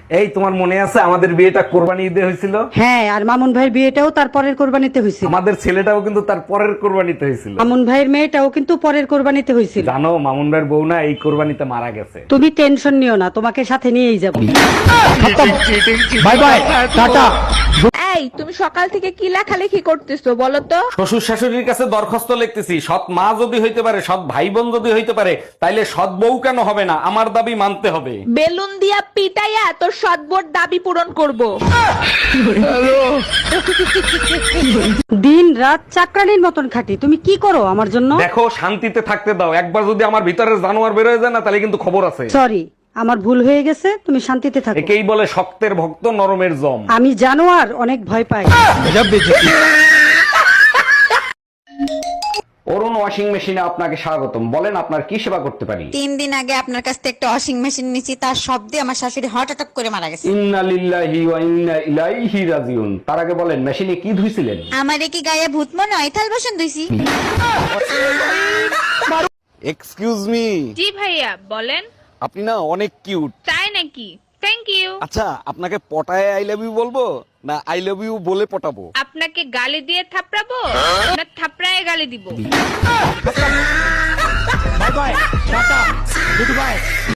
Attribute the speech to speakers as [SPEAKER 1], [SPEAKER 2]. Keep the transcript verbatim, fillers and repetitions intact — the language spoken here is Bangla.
[SPEAKER 1] এই তোমার মনে আছে আমাদের বিয়েটা কোরবানি ঈদে হয়েছিল?
[SPEAKER 2] হ্যাঁ, আর মামুন ভাইয়ের বিয়েটাও তার পরের কোরবানিতে হয়েছিল।
[SPEAKER 1] আমাদের ছেলেটাও কিন্তু তার পরের কোরবানিতে হয়েছিল।
[SPEAKER 2] মামুন ভাইয়ের মেয়েটাও কিন্তু পরের কোরবানিতে হয়েছিল।
[SPEAKER 1] জানো মামুন ভাইয়ের বউ না এই কোরবানিতে মারা গেছে।
[SPEAKER 2] তুমি টেনশন নিও না, তোমাকে সাথে নিয়েই যাবো।
[SPEAKER 1] Bye bye, tata.
[SPEAKER 3] এই তুমি সকাল থেকে কি লেখালেখি করতেছো বলো তো?
[SPEAKER 1] শ্বশুর শাশুড়ির কাছে দরখাস্ত লিখতেছি, সৎ মা যদি হইতে পারে, সৎ ভাই বোন যদি হইতে পারে, তাইলে সৎ বউ কেন হবে না? আমার দাবি মানতে হবে।
[SPEAKER 3] বেলুন দিয়া পিটাইয়া তোর সদবোর দাবি পূরণ করব।
[SPEAKER 2] দিন রাত চাকরানির মতন খাটি, তুমি কি করো আমার জন্য?
[SPEAKER 1] দেখো শান্তিতে থাকতে দাও, একবার যদি আমার ভিতরে জানোয়ার বের হয়ে যায় না তাহলে কিন্তু খবর আছে।
[SPEAKER 2] সরি, আমার ভুল হয়ে গেছে, তুমি শান্তিতে থাকো।
[SPEAKER 1] একেই বলে শক্তের ভক্ত নরমের জম।
[SPEAKER 2] আমি জানোয়ার অনেক ভয় পাই।
[SPEAKER 1] অরুণ ওয়াশিং মেশিনে আপনাকে স্বাগতম। বলেন আপনার কি সেবা করতে পারি?
[SPEAKER 4] তিন দিন আগে আপনার কাছ থেকে একটা ওয়াশিং মেশিন নিয়েছি, তার শব্দে আমার শাশুড়ি হার্ট অ্যাটাক করে মারা গেছে।
[SPEAKER 1] ইন্না লিল্লাহি ওয়া ইন্না ইলাইহি রাজিউন। তার আগে বলেন মেশিনে কি ধুইছিলেন?
[SPEAKER 4] আমার কি গায়ে ভূত মনে হয়? থাল বাসন ধুইছি।
[SPEAKER 5] এক্সকিউজ মি,
[SPEAKER 3] জি ভাইয়া বলেন।
[SPEAKER 5] আপনি না অনেক কিউট।
[SPEAKER 3] তাই নাকি? Thank you.
[SPEAKER 5] আচ্ছা, আপনাকে পটায় আই লাভ ইউ বলবো না আই লাভ ইউ বলে পটাবো?
[SPEAKER 3] আপনাকে গালি দিয়ে থাপড়াবো না থাপড়ায় গালি দিব?
[SPEAKER 1] Bye bye, tata, good bye.